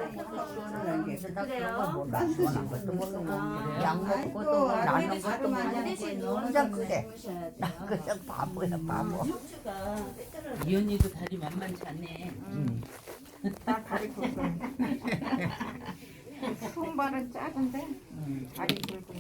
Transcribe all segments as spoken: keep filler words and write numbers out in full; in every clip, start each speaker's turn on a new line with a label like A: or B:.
A: 그래요?
B: 나시원한 것도 모르고
A: 아.
B: 약 먹고 또 나는 것도
A: 반
B: 모르고
A: 대신
B: 혼자 그래. 나 그냥 바보야 바보.
C: 이 언니도 다리 만만치 않네.
B: 응.
D: 나 다리 굵고 손발은 작은데 다리 굵고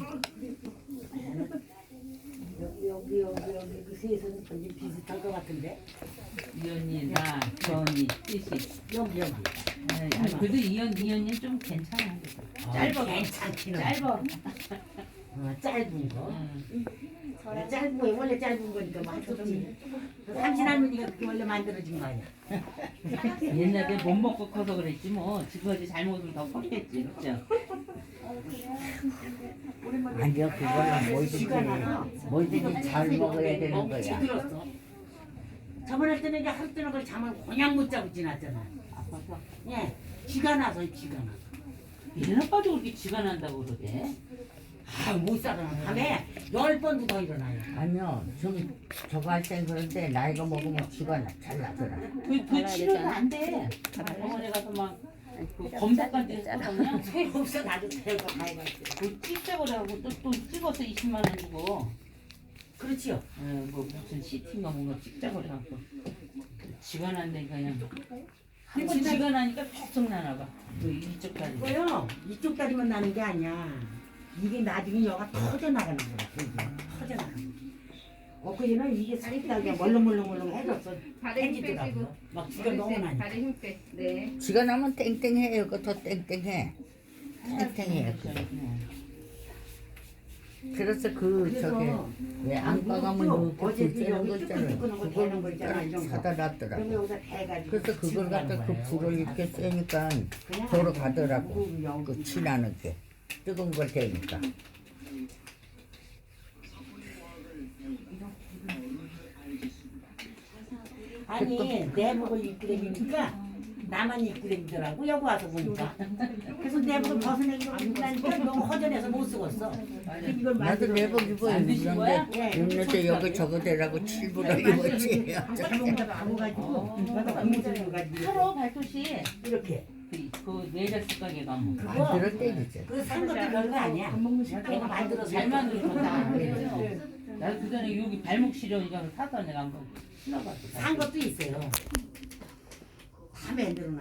E: 여기 여기 여기 여기 그 세선 거기 비슷할 것 같은데
C: 이 언니, 나, 저 언니, 셋이.
E: 여기 여기
C: 아니, 그래도 이 언니, 이 언니 좀 괜찮아. 짧아.
E: 괜찮기는
C: 짧아.
E: 어, 짧은 거
C: 응.
E: 어, 짧은 거 원래 짧은 거니까 맛없지 삼신 할머니가 그게 원래 만들어진 거 아니야
C: 옛날에 못 먹고 커서 그랬지 뭐. 지금까지 잘 먹으면 더 컸겠지, 그죠?
B: 아니요 그거는 뭐든지 뭐든지 잘 먹어야 되는
E: 어,
B: 거야.
E: 들었어 저번 할 때는 이제 하루 종일 그 잠을 그냥 못 자고 지났잖아
C: 아파서.
E: 예 쥐가 나서 쥐가 나서
C: 얘는 아빠도 그렇게 지가 난다고 그러대.
E: 아못 살아 밤에 열 번도 더 일어나요
B: 아니요 좀 저거 할 땐 그런데 나이가 먹으면 쥐가 나- 잘 나더라.
C: 그, 그 치료는 안 돼. 병원에 가서 막, 그 검사까지 해서 그냥
E: 소용없어 나도 데리고 가야지
C: 그 찍자고 하고 또, 또 찍어서 이십만 원 주고.
E: 그렇지요
C: 어, 뭐 무슨 시티인가 뭔가 찍자고 해갖고. 지가 난다니까 그냥. 한 번
E: 진짜-
C: 지가 나니까 계속 나나 봐. 그 이쪽 다리.
E: 그거요 이쪽 다리만 나는 게 아니야 이게 나중에 여가 터져 나가는 거야 여기 터져 나가는 거야 엊그제는 이게 살짝 그냥 멀렁멀렁멀렁 해졌어
D: 다리 힘
E: 해지더라고요
D: 빼시고
E: 막 쥐가 너무 나니까
D: 다리 힘 빼. 네.
B: 쥐가 나면 땡땡해요. 그거 더 땡땡해. 땡땡해요. 그거. 그래서 그 저기
E: 그래서
B: 왜 안과 가면 이렇게
E: 어제
B: 불 쬐는 거
E: 여기
B: 있잖아요.
E: 뚜끈뚜끈한 거 되는 거
B: 그걸
E: 있잖아, 이런 거.
B: 사다
E: 그럼
B: 놨더라고.
E: 여기다 대가지고
B: 그래서 그걸 갖다 그 불을 이렇게 쐬니까
E: 그냥
B: 도로 가더라고.
E: 무거운 영-
B: 그 치나는 게 뜨거운 걸 대니까.
E: 아니 내복을 입고 다니니까 나만 입고 다니더라고 여기 와서 보니까 그래서 내복을 벗어내기로 입으니까 너무 허전해서 못 쓰겠어 이걸
B: 나도
E: 만들어
B: 내복 입어
C: 만드신 거야?
B: 입는데 입는데 여기 저거 대라고 칠부러 입었지.
E: 자동차 바꿔가지고 나도 고무줄 가지고
C: 팔어 발토시.
E: 이렇게
C: 그, 그 외자식 가게 가면.
B: 만들어 때리지.
E: 그거 산 것도 별거 아니야 내가 만들어서
C: 잘 만들었다. 나도 그 전에 여기 발목 시려 이거 사서 내가 한번 신어봤어.
E: 산 것도 있어요 다 만들어